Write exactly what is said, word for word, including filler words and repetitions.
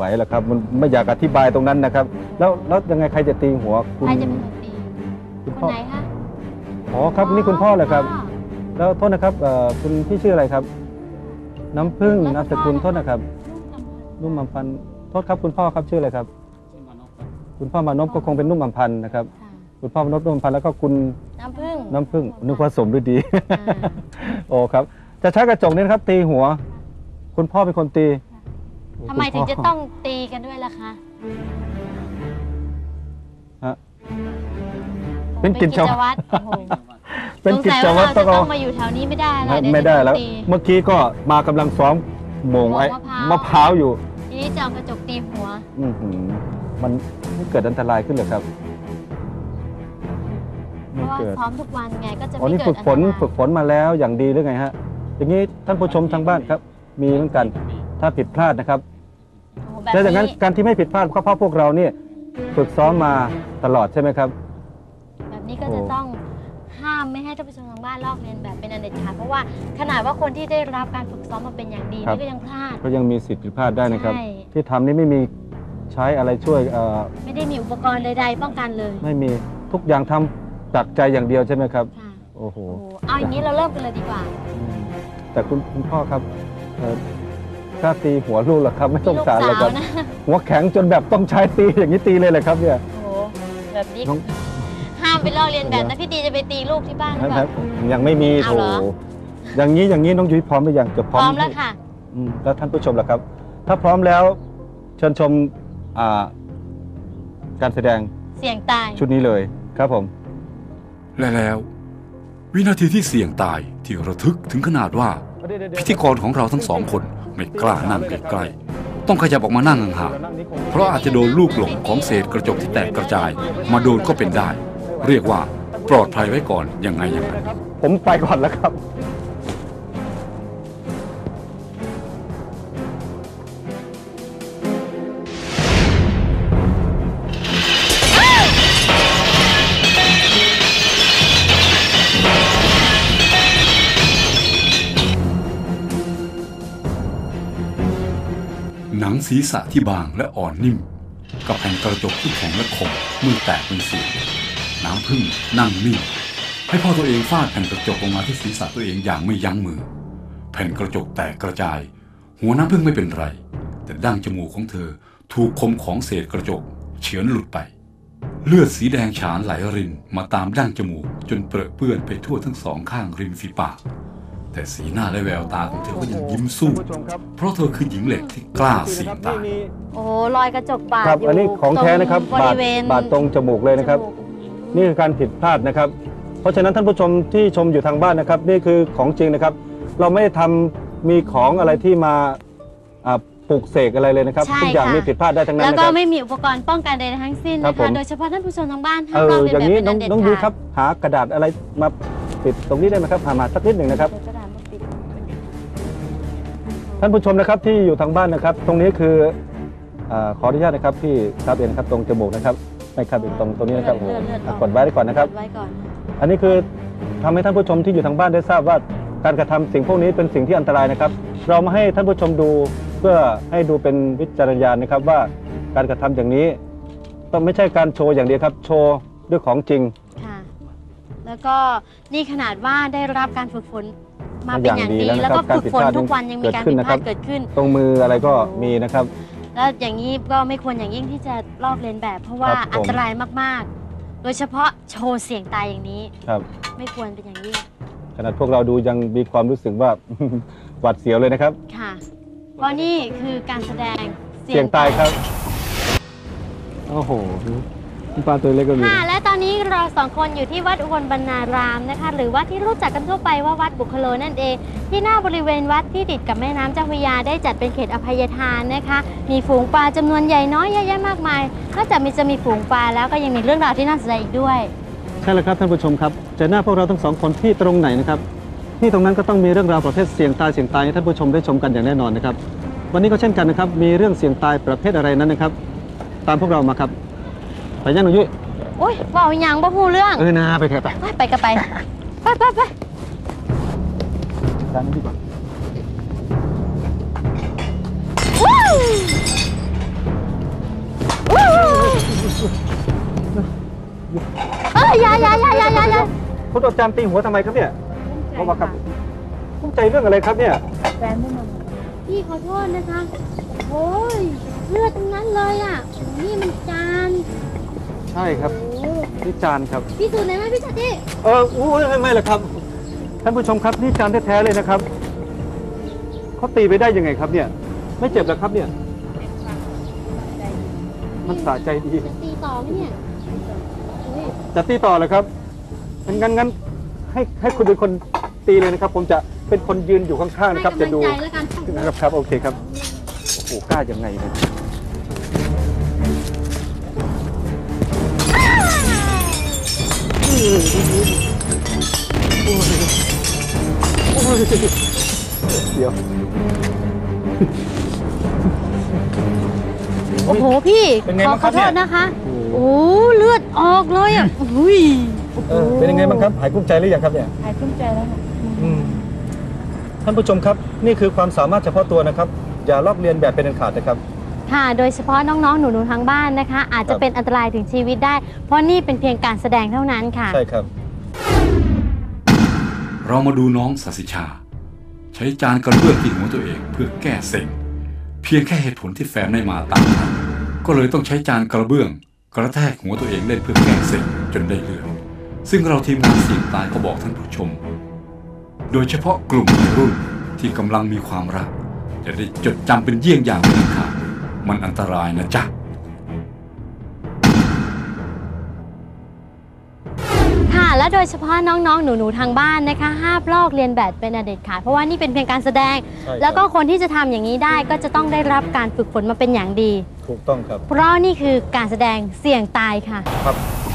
หรอกครับมันไม่อยากอธิบายตรงนั้นนะครับแล้วแล้วยังไงใครจะตีหัวคุณใครจะเป็นคนตีคนไหนคะอ๋อครับนี่คุณพ่อเลยครับแล้วโทษนะครับคุณพี่ชื่ออะไรครับน้ำผึ้งนามสกุลโทษนะครับนุ่มอัมพันธ์โทษครับคุณพ่อครับชื่ออะไรครับคุณพ่อมานพก็คงเป็นนุ่มอัมพันธ์นะครับคุณพ่อมานพนุ่มอัมพันธ์แล้วก็คุณน้ำผึ้งน้ำผึ้งนึกว่าสมด้วยดีโอ้ครับจะใช้กระจกนี่นะครับตีหัวคุณพ่อเป็นคนตีทำไมถึงจะต้องตีกันด้วยล่ะคะฮะเป็นกิจวัตรเป็นกิจวัตรต้องมาอยู่แถวนี้ไม่ได้แล้วไม่ได้แล้วเมื่อกี้ก็มากำลังซ้อมโมงไอ้มะพร้าวอยู่ทีนี้จะเอากระจกตีหัวอือหือมันเกิดอันตรายขึ้นเหรอครับเพราะว่าซ้อมทุกวันไงก็จะไม่เกิดอันตรายอ๋อนี่ฝึกฝนฝึกฝนมาแล้วอย่างดีหรือไงฮะอย่างนี้ท่านผู้ชมทางบ้านครับมีเหมือนกันถ้าผิดพลาดนะครับแต่อย่างนั้นการที่ไม่ผิดพลาดก็เพราะพวกเราเนี่ยฝึกซ้อมมาตลอดใช่ไหมครับแบบนี้ก็จะต้องห้ามไม่ให้ท่านผู้ชมทางบ้านลอกเลียนแบบเป็นอันเด็ดขาดเพราะว่าขนาดว่าคนที่ได้รับการฝึกซ้อมมาเป็นอย่างดีนี่ก็ยังพลาดก็ยังมีสิทธิ์ผิดพลาดได้นะครับที่ทำนี่ไม่มีใช้อะไรช่วยไม่ได้มีอุปกรณ์ใดๆป้องกันเลยไม่มีทุกอย่างทำจากใจอย่างเดียวใช่ไหมครับโอ้โหเอาอย่างนี้เราเริ่มกันเลยดีกว่าแต่คุณคุณพ่อครับกล้าตีหัวลูกหรอครับไม่ต้องสารเลยครับหัวแข็งจนแบบต้องใช้ตีอย่างนี้ตีเลยเลยครับเนี่ยโอ้โหแบบนี้ห้ามไปลอกเรียนแบบนะพี่ตีจะไปตีลูกที่บ้านหรือเปล่ายังไม่มีโถอย่างนี้อย่างนี้น้องยุ้ยพร้อมหรือยังจะพร้อมแล้วค่ะแล้วท่านผู้ชมล่ะครับถ้าพร้อมแล้วเชิญชมการแสดงเสี่ยงตายชุดนี้เลยครับผมและแล้ววินาทีที่เสี่ยงตายที่ระทึกถึงขนาดว่าพิธีกรของเราทั้งสองคนไม่กล้านั่งใกล้ๆต้องขยับออกมานั่งห่างๆเพราะอาจจะโดนลูกหลงของเศษกระจกที่แตกกระจายมาโดนก็เป็นได้เรียกว่าปลอดภัยไว้ก่อนยังไงยังไงผมไปก่อนแล้วครับหนังศีรษะที่บางและอ่อนนิ่มกับแผ่นกระจกที่แข็งและคมเมื่อแตกเป็นเสียงน้ำผึ้งนั่งนิ่งให้พ่อตัวเองฟาดแผ่นกระจกลงมาที่ศีรษะตัวเองอย่างไม่ยั้งมือแผ่นกระจกแตกกระจายหัวน้ำผึ้งไม่เป็นไรแต่ดั้งจมูกของเธอถูกคมของเศษกระจกเฉือนหลุดไปเลือดสีแดงฉานไหลรินมาตามดั้งจมูกจนเปรอะเปื้อนไปทั่วทั้งสองข้างริมฝีปากแต่สีหน้าและแววตาของเธอก็ยังยิ้มสู้เพราะเธอคือหญิงเหล็กที่กล้าเสี่ยงตายโอ้รอยกระจกบาดอยู่อันนี้ของแท้นะครับบาดบาดตรงจมูกเลยนะครับนี่คือการผิดพลาดนะครับเพราะฉะนั้นท่านผู้ชมที่ชมอยู่ทางบ้านนะครับนี่คือของจริงนะครับเราไม่ได้ทำมีของอะไรที่มาปลุกเสกอะไรเลยนะครับทุกอย่างมีผิดพลาดได้ทั้งนั้นแล้วก็ไม่มีอุปกรณ์ป้องกันใดทั้งสิ้นนะคะโดยเฉพาะท่านผู้ชมทางบ้านห้ามลอกเลียนแบบเป็นอันเด็ดขาดน้องดูครับหากระดาษอะไรมาปิดตรงนี้ได้ไหมครับหามาสักนิดหนึ่งนะครับท่านผู้ชมนะครับที่อยู่ทางบ้านนะครับตรงนี้คือขออนุญาตนะครับที่ครับเองครับตรงจมูกนะครับไม่ครับตรงตรงนี้นะครับกดไว้ได้ก่อนนะครับอันนี้คือทำให้ท่านผู้ชมที่อยู่ทางบ้านได้ทราบว่าการกระทำสิ่งพวกนี้เป็นสิ่งที่อันตรายนะครับเรามาให้ท่านผู้ชมดูเพื่อให้ดูเป็นวิจารณญาณนะครับว่าการกระทำอย่างนี้ต้องไม่ใช่การโชว์อย่างเดียวครับโชว์ด้วยของจริงค่ะแล้วก็นี่ขนาดว่าได้รับการฝึกฝนมาเป็นอย่างดีแล้วก็ฝึกฝนทุกวันยังมีการผิดพลาดเกิดขึ้นตรงมืออะไรก็มีนะครับแล้วอย่างนี้ก็ไม่ควรอย่างยิ่งที่จะลอกเลียนแบบเพราะว่าอันตรายมากๆโดยเฉพาะโชว์เสี่ยงตายอย่างนี้ไม่ควรเป็นอย่างยิ่งขนาดพวกเราดูยังมีความรู้สึกว่าหวาดเสียวเลยนะครับค่ะเพราะนี่คือการแสดงเสี่ยงตายครับโอ้โหปลาตัวเล็กก็มีค่ะและตอนนี้เราสองคนอยู่ที่วัดอุบลบรรณารามนะคะหรือว่าที่รู้จักกันทั่วไปว่าวัดบุคโลนั่นเองที่หน้าบริเวณวัดที่ติดกับแม่น้ำเจ้าพระยาได้จัดเป็นเขตอภัยทานนะคะมีฝูงปลาจำนวนใหญ่น้อยเยอะแยะมากมายนอกจากมีจะมีฝูงปลาแล้วก็ยังมีเรื่องราวที่น่าสนใจอีกด้วยใช่แล้วครับท่านผู้ชมครับเจอหน้าพวกเราทั้งสองคนที่ตรงไหนนะครับที่ตรงนั้นก็ต้องมีเรื่องราวประเภทเสี่ยงตายเสี่ยงตายให้ท่านผู้ชมได้ชมกันอย่างแน่นอนนะครับวันนี้ก็เช่นกันนะครับมีเรื่องเสี่ยงตายประเภทอะไรนั้นนะครับตามพวกเรามาครับไปย่างหนุ่ยโอ้ยบอกอย่างบ่ฮู้เรื่องเออนาไปเถอะไปไปกันไปไปไปไปร้านนี้ดีกว่าคุณอาจารย์ตีหัวทำไมครับเนี่ยเพราะว่าครับภูมิใจเรื่องอะไรครับเนี่ยแฟนไม่มาพี่ขอโทษนะคะโอ้ยเลือดทั้งนั้นเลยอ่ะนี่มันจานใช่ครับโอ้นี่จานครับพี่สูจน์ไหนไหมพี่จัดดิเอออู้ไม่ไม่หรอกครับท่านผู้ชมครับนี่จานแท้ๆเลยนะครับเขาตีไปได้ยังไงครับเนี่ย ไม่เจ็บหรอครับเนี่ย มันสะใจดีจะตีต่อไหมเนี่ยโอ้ยจะตีต่อเหรอครับงั้นงั้นให้ให้คุณเป็นคนตีเลยนะครับ ผมจะเป็นคนยืนอยู่ข้างๆนะครับให้จะกำลัดูงใจแล้วกันนะครับครับโอเคครับโอ้โหกล้ายังไงเนี่ยโอ้ยโอ้ยเดี๋ยวโอ้โหพี่เป็นไงขอบ้างขครัอบ โทเนี่ยษนะคะโอ้เลือดออกเลยอ่ะอุ้ยเออเป็นยังไงบ้างครับหายกุ้มใจหรือยังครับเนี่ยหายทุ่มใจแล้วค่ะอืมท่านผู้ชมครับนี่คือความสามารถเฉพาะตัวนะครับ อย่าลอกเลียนแบบเป็นอันขาดนะครับค่ะ โดยเฉพาะน้องๆหนูๆทางบ้านนะคะ อาจจะเป็นอันตรายถึงชีวิตได้ เพราะนี่เป็นเพียงการแสดงเท่านั้นค่ะใช่ครับเรามาดูน้องสัสิชา ใช้จานกระเบื้องที่หัวตัวเองเพื่อแก้เซ็งเพียงแค่เหตุผลที่แฟนไม่มาตามนัดก็เลยต้องใช้จานกระเบื้อง กระแทกหัวตัวเองเล่นเพื่อแก้เซ็งจนได้เลือดซึ่งเราทีมงานเสี่ยงตายก็บอกท่านผู้ชม โดยเฉพาะกลุ่มวัยรุ่นที่กำลังมีความรักจะได้จดจำเป็นเยี่ยงอย่างเลยค่ะมันอันตรายนะจ๊ะค่ะและโดยเฉพาะน้องๆหนูๆทางบ้านนะคะห้ามลอกเลียนแบบเป็นอันเด็ดขาดเพราะว่านี่เป็นเพียงการแสดงใช่ครับแล้วก็คนที่จะทำอย่างนี้ได้ก็จะต้องได้รับการฝึกฝนมาเป็นอย่างดีถูกต้องครับเพราะนี่คือการแสดงเสี่ยงตายค่ะครับ